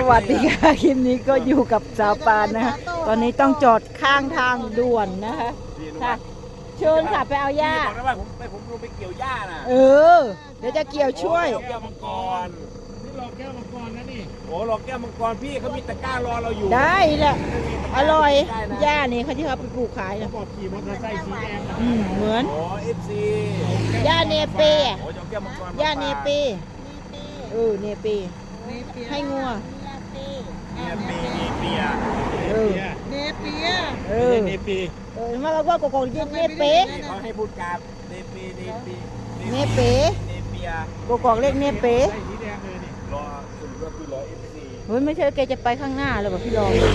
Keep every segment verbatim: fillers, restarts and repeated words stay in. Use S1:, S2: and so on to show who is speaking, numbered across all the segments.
S1: วัสดีค่ะคลิปนี้ก็อยู่กับสาวปานนะคะตอนนี้ต้องจอดข้างทางด่วนนะคะค่ะเชิญค่ะไปเอาหญ้า
S2: บอกนะว่าผมไปผมลงไปเกี่ยวหญ้าน่ะ
S1: เออเดี๋ยวจะเกี่ยวช่วย
S2: แก้วมังกร
S3: นี่รอแก้วมังกรนะนี่
S2: โอ้หลอกแก้วมังกรพี่เขามีตะกร้ารอเราอยู่
S1: ได้แหละอร่อย
S2: ได้นะ
S1: หญ้านี่เขาที่เขาไปปลูกขายนะ
S3: บอกขี่มอเตอร์ไซค์สีแดงนะ
S1: อืมเหมือน
S2: โอ้เอฟซี
S1: หญ้าเนเปย์อะ
S2: โอ้จะเอาแก้วมังกร
S1: หญ้าเนเปย์เออเนเปย์ให้งัว
S2: เนี่ยเปียเปีย
S1: เออ
S3: เนเปีย
S1: เอ
S3: เน
S1: อ
S3: เนปี
S1: เออมาเราก็กกอกเนเปย์
S2: นี่เขาให้พูดกับเนปีเนปี
S1: เนเปย์
S2: เนเปีย
S1: กกอกเรียกเนเปย์
S3: ใส่สีแดงเลยนี่
S2: รอสรุปว่าคือรอเอฟซี
S1: เฮ้ยไม่ใช่แกจะไปข้างหน้าเลยป่ะพี่รอง
S2: เพราะ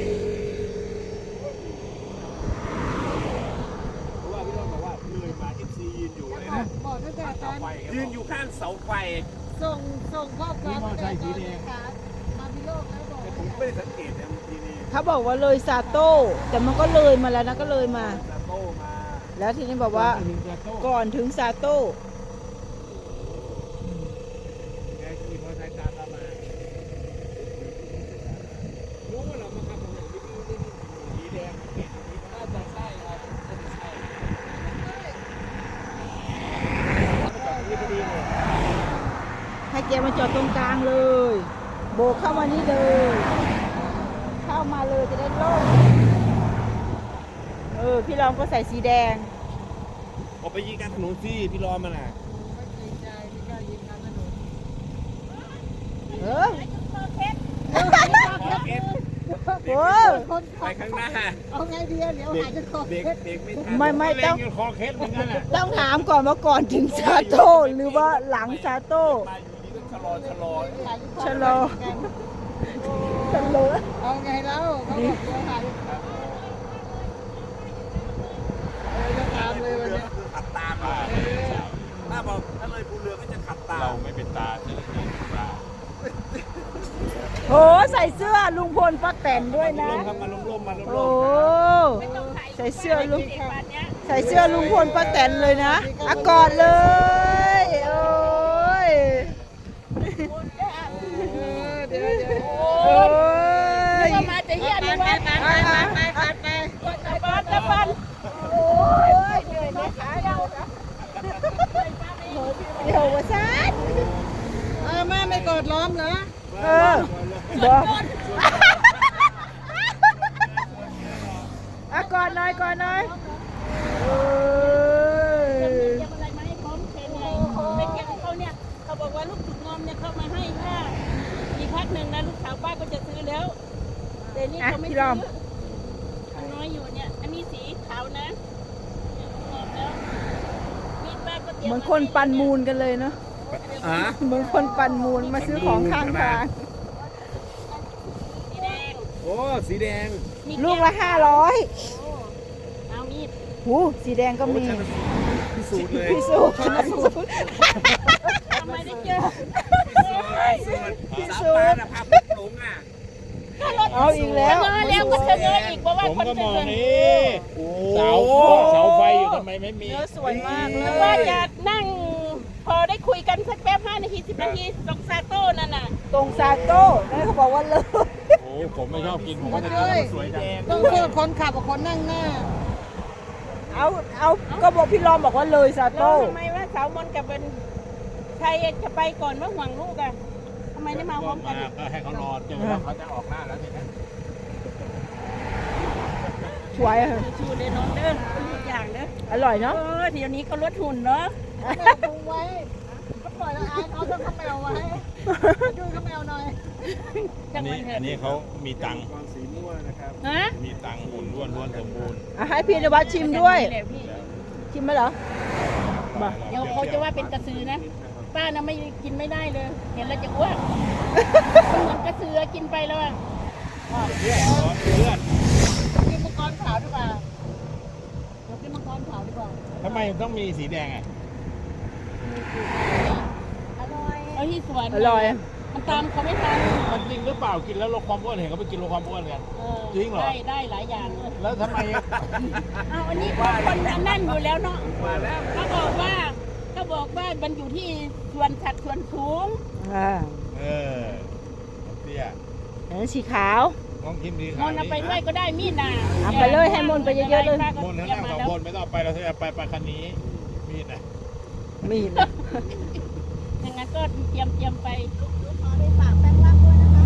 S2: ว่าพี่รองบอกว่าเลยมาเอฟซียืนอยู่เลยนะ
S4: บอกตั้งแต่ตอน
S2: ยืนอยู่ข้างเสาไฟ
S4: ส่งส่งข้อความ
S3: มอเตอร์ไซค์สีแดง
S4: มาพิโลกแล้วบอก
S2: แต่ผมไม่ได้สังเกตนะเมื่อกี้นี่
S1: เขาบอกว่าเลยซาโต้แต่มันก็เลยมาแล้วนะก็เลยมา
S2: ซาโต้มา
S1: แล้วทีนี้บอกว่า
S3: หนึ่งกระโต้
S1: ก่อนถึงซาโต้
S3: แกขี่มอเตอร์ไซค์ตามเรามารู้ว่าเรามาขับถนนสีแดงน่าจะใช่ครับน่าจะใช่นี่พอดีเลย
S1: ให้แกมาจอดตรงกลางเลย โบกเข้ามานี่เลย เข้ามาเลยจะได้โล่งเออพี่รองก็ใส่สีแดง
S2: ออกไปยิงกันถนนสิพี่รอมันอ่ะ
S4: ไม่จริงใจไม่กล้ายิงกันถนน
S1: เออ
S2: เอฟ
S1: โอ้
S4: คน
S2: ไปข้างหน้า
S4: เอาไงดีเดี๋ยว
S2: เด็ก
S4: หาจะขอ
S2: เด็ก
S4: เพชร
S2: เด็กไม่ทัน
S1: ไม่ไม่ต้อง
S3: เล่นกันคอเคสเหมือนกันแหละ
S1: ต้องถามก่อนว่าก่อนถึงซาโต้หรือว่าหลังซาโต้
S2: มาอยู่ดีก็ชะลอชะลอ
S1: ชะลอ ชะลอ
S4: เอาไงแล้วเขาบอกเดี๋ยวหาจะตามเลยวัน
S2: เรือ
S4: นี้
S2: ก็คือขับตามมาถ้าบอกถ้าเลยภูเรือก็จะขับตาม
S3: เราไม่เป็นตาเจ้าหน้าที่ตา
S1: โหใส่เสื้อลุงพลป้าแตนด้วยนะ
S2: ลมครับมาลมลมมาลมล
S1: โอ้
S2: ม
S1: ใส่เสื้อลุงใส่เสื้อลุงพลป้าแตนเลยนะอ่ะกอดเลย โอ้ย
S4: เดี๋ยวเดี๋ยว
S1: โอ้ย
S4: มาจะเยี่ยมไปไปไปไปไปไปไป
S1: บ้านตะบันโอ้ยเหนื่อยนะขาเราเดี๋ยววะซัด
S4: เออแม่ไม่กอดล้อมเหรอ
S1: เออบอกอ่ะกอดหน่อยกอดหน่อยโอ้ย
S5: เก็บอะไรมาให้พร้อมเพนไงไปเก็บเขาเนี่ยเขาบอกว่าลูกถุงงอมเนี่ยเขามาให้ค่ะอีกพักหนึ่งนะลูกสาวป้าก็จะซื้อแล้วแต่นี่เขาไม่ซื้อมันน้อยอยู่เนี่ยอันนี้สีขาวนะเนี่ยงอมแล้วมีดป้าก็เตรียม
S1: เหมือนคนปั่นมูลกันเลยเนาะ
S2: อ่ะ
S1: เหมือนคนปั่นมูลมาซื้อของข้างทาง
S5: สีแดง
S2: โอ้สีแดง
S5: มี
S1: ลูกละห้าร้อย
S5: เอามีด
S1: หูสีแดงก็มี
S2: พิสูจน์เลย
S1: พิสูจน์พิสูจน์
S5: ทำไมได้เจอ
S2: พิสูจน์สาวปานอะภาพพุทธหลงอ่ะ
S1: เอาอีกแล้ว
S5: เจอแล้วก็เจออีกเพราะว่า
S3: ผม
S5: คน
S3: ก็
S5: เจ
S3: มอง
S5: อ
S3: นี่เสาเสาไฟอยู่ทำไมไม่มี
S1: เนื้อสวยมากเล
S5: ว่าย จะนั่งพอได้คุยกันสักแป๊บห้านาทีสิบนาทีตรงซาโต้นั่นน่ะ
S1: ตรงซาโต้นั่นเขาบอกว่าเลย
S3: โอ้ผมไม่ชอบกินผมก็จะกินมันสวยจัง
S4: ต้องโทษคนขับกับคนนั่งหน้า
S1: เอาเอาก็บอกพี่รอมบอกว่าเลยซา
S5: แล้ว
S1: โต้
S5: ทำไมว่าสาวมนกับเป็นใครจะไปก่อนว่าห่วงลูกอ่ะทำไมได้มาพร้อมกัน
S3: ก็ให้เขารอเจอแล้วเขาจะออกหน้าแล้วทีนี้
S1: สวยอะ
S5: ชูเลยน้องเด้อทุกอย่างเด้อ
S1: อร่อย
S5: เอ
S1: เนาะ
S5: อเดี๋ยวนี้เขาลดหุ่นเนาะ
S4: แมวพุงไว้ก็ปล่อยแล้วอายเขาต้องแมวไว้ดูเขาแมวหน่อย
S5: จั
S3: อั
S5: ง
S3: น
S5: หวั
S3: นี้
S5: ดเถ
S3: อันนี้
S5: อะ
S3: เขามีตังค์
S2: กรสีม่วงนะครับ
S5: ฮะ
S3: มีตังค์หุ่นล้วนล้วนสมบูรณ์
S1: อ่ะให้พี่นวัดชิมด้วย
S5: แหละพี่
S1: ชิมไหมเหรอมา
S5: เดี๋ยวเขาจะว่าเป็นกระสือนะป้านะไม่กินไม่ได้เลย เห็นแล้วจะอ้วกเหมือนกระสือกินไปแล้วอะ
S3: เพื่อนเพื่อน
S4: กินมังกรขาวดีกว่าเดี๋ยวกินมังกรขาวดีกว่า
S3: ทำไมต้องมีสีแดงอ่ะ
S4: อร่อย
S5: เอาที่สวน
S1: อร่อย
S5: มันตามเขาไม่ทัน
S3: มันจริงหรือเปล่ากินแล้วลดความอ้วนเห็นเขาไปกินลดความอ้วนกัน
S5: เออ
S3: จริงเหรอ
S5: ได้ได้หลายอย่างเลย
S3: แล้วทำไม
S5: เอาอันนี้คนอันนั่นอยู่แล้วเนาะ
S2: มาแล้ว
S5: เขาบอกว่าเขาบอกว่ามันอยู่ที่ส่วนสัดส่วนสูง
S1: อ่า
S3: เออเตี้ย
S1: อันนั้นสีขาว
S3: ลองชิมดี
S5: มนต์เอาไปด้วยก็ได้มีดน่ะ
S1: เอาไปเลยให้มนต์ไปเยอะๆเลย
S3: มนต์ทั้งนั่งสองคนไม่ต้องไปเราจะไปไปคันนี้มีดนะ
S1: มีดนะ
S5: อย่างนั้นก็เตรียมเตรียมไป
S4: ขอได้ฝากแป้งรักด้วยนะคะ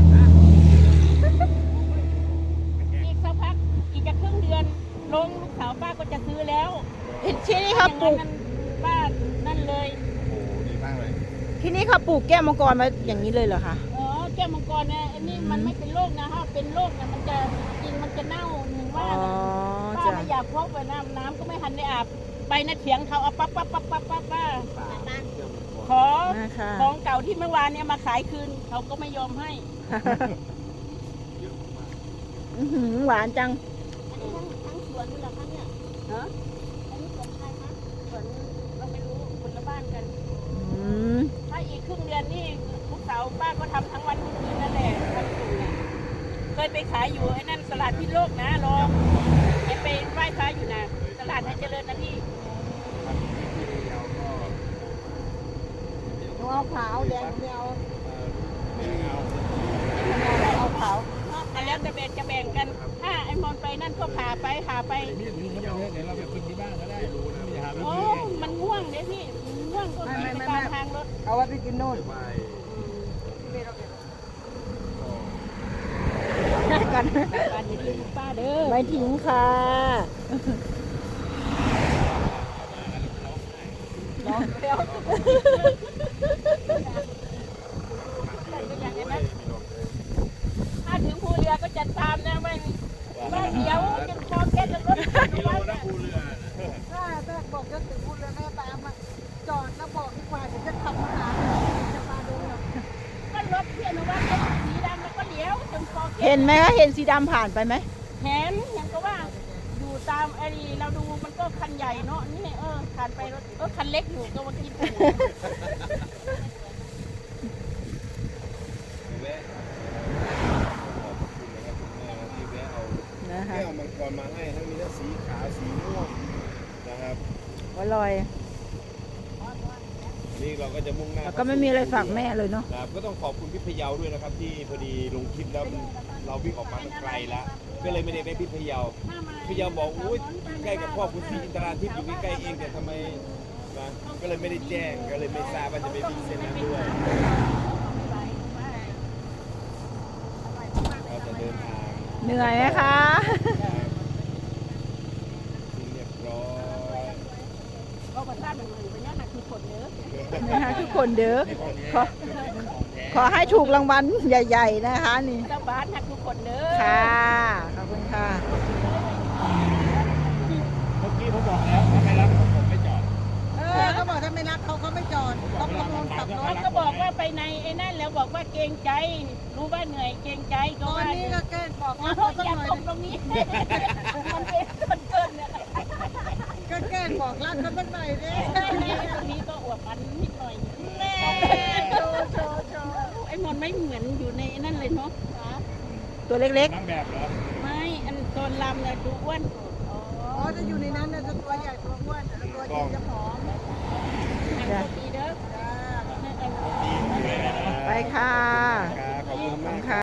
S5: อีกสักพักอีกจะครึ่งเดือนลงลูกสาวป้าก็จะซื้อแล้ว
S1: ที่นี่เขาปลูก
S5: อย่างนั้นป้านั่นเลย
S3: โอ้ดีมากเลย
S1: ที่นี่เขาปลูกแก้วมังกรมาอย่างนี้เลยเหรอคะ
S5: อ๋อแก้วมังกรเนี่ยอันนี้มันไม่เป็นโรคนะถ้าเป็นโรคเนี่ยมันจะจริงมันจะเน่าหนึ่ง
S1: อ๋
S5: ว่า
S1: อ
S5: นะป้า
S1: จ้ะ
S5: ไม่อยากพกไปน้ำน้ำก็ไม่ทันได้อาบไปนะเถียงเขาเอาปั๊บปั๊บปั๊บปั๊บปั๊บป้าขอ
S1: นะคะ
S5: ของเก่าที่เมื่อวานเนี่ยมาขายคืนเขาก็ไม่ยอมให้
S1: อื้อหือหวานจัง
S5: อันนี้ทั้งทั้งสวนนี่เหรอคะเนี่ยฮะอันนี้สวนใครคะสวนเราไม่รู้คนละบ้านกัน
S1: อืม
S5: ถ้าอีกครึ่งเดือนนี่ลูกสาวป้าก็ทำทั้งวันทั้งคืนนั่นแหละทำอยู่เนี่ยเคยไปขายอยู่ไอ้นั่นตลาดพิษโลกนะลองไปไปไหว้พระอยู่นะตลาดให้เจริญนะพี่
S4: หนูเอาขาวแดงหนูไม่เอา
S3: ไม่เอา
S4: เอาขาว
S5: อันแล้วจะแบ่งจะแบ่งกันถ้าไอ้มอนไปนั่นก็พาไปพาไป
S3: มีดมีดเยอะเดี๋ยวเราไปกินที่บ้านก็ได้รู้นะอย่าหาไป
S5: โอ้
S3: กินเอง
S5: มันง่วงเลยพี่มันง่วงก็ไปตามทางรถ
S4: เอาไว้ไปกินโน่น
S1: กัน
S5: บ้านอย่าลืมป้าเด้อ
S1: ไม่ทิ้งค่ะ
S5: ถ้าถึงภูเรือก็จะตามนะไม่ว่าเดี๋ยวจะคอแค่จะรถ
S3: กิโลนะภูเรือ
S4: ถ้าถ้าบอกจะถึงพูดเลยแม่ตามมาจอดแล้วบอกดีกว่าเดี๋ยวจะขับมาหาจะมาดูหรอก
S5: ก็รถเพียนว่าเป็นสีดำแล้วก็เลี้ยวจนคอแค่
S1: เห็นไหมคะเห็นสีดำผ่านไปไหม
S5: เห็นยังก็ว่าอยู่ตามไอ้เราดูมันก็คันใหญ่เนาะนี่เออผ่านไปรถเออคันเล็กอยู่ก็มากิน
S1: นะคะ
S3: แก้วมังกรมาให้ทั้งมีทั้งสีขาวสีม่วงนะครับ
S1: อร่อย
S3: นี่เราก็จะมุ่งหน้า
S1: แล้วก็ไม่มีอะไรฝากแม่เลยเนาะ
S3: ครับก็ต้องขอบคุณพี่พะเยาด้วยนะครับ ที่พอดีลงคลิปแล้วเราวิ่งออกมามันไกลแล้วก็เลยไม่ได้ไปพี่พะเยาพี่พะเยาบอกอุ้ยใกล้กับพ่อคุณพี่อินทราทิพย์อยู่ใกล้ๆเองแต่ทำไมนะก็เลยไม่ได้แจ้งก็เลยไม่ทราบว่าจะไปวิ่งเส้นนั้นด้วยเราจะเดินทาง
S1: เหนื่อยไหมคะ
S3: ที่เรียบร้อย
S5: ก็ประทานหนึ่งหนึ่งไปเนี่ยนะคือผลเนื้อ
S1: นะคะทุกคนเด้อขอขอให้ถูกรางวัลใหญ่ ๆ นะคะนี่
S5: เจ้าบ้านหักทุกคนเด้อ
S1: ค่ะ ขอบคุณค่ะ
S3: เมื่อกี้ผมบอกแล้วถ้าไม่รับผมไม่จอด
S4: เออเขาบอกถ้าไม่รักเขาเขาไม่จอดต้องลงลงขับร
S5: เขา
S4: ถ
S5: ก็บอกว่าไปในไอ้นั่นแล้วบอกว่าเกรงใจ รู้ว่าเหนื่อยเกรงใจ
S4: ต
S5: ก็
S4: อน
S5: ว่า
S4: นี้ก็แกล้งบอก
S5: อ๋อ
S4: รักเขาสัก
S5: อย่า
S4: หน่อย
S5: ตกตรงนี้ มันเป็นมันเกินเนี่ย
S4: ก็แกล้งบอกรักเขาสักหน่อยดิ
S5: ตรงนี้ก็อวบอันนิดหน่อย
S4: แม่โชว์โชว์โชว์
S5: ไอ้มอนไม่เหมือนอยู่ในนั่นเลยเนาะ
S1: ตัวเล็ก
S3: นั่งแบบเหรอ
S5: ไม่อันตอนลำเนี่ยดูอ้วน
S4: อ๋อจะอยู่ในนั้นนะจะตัวใหญ่ตัวอ้วนแต่ตัวจริงจะผอม
S5: หนังดีเด้อ
S4: จ้า
S5: นั่นเอง
S1: ๆ ไปค่ะ
S3: ครับขอบคุณมาก
S1: ค่ะ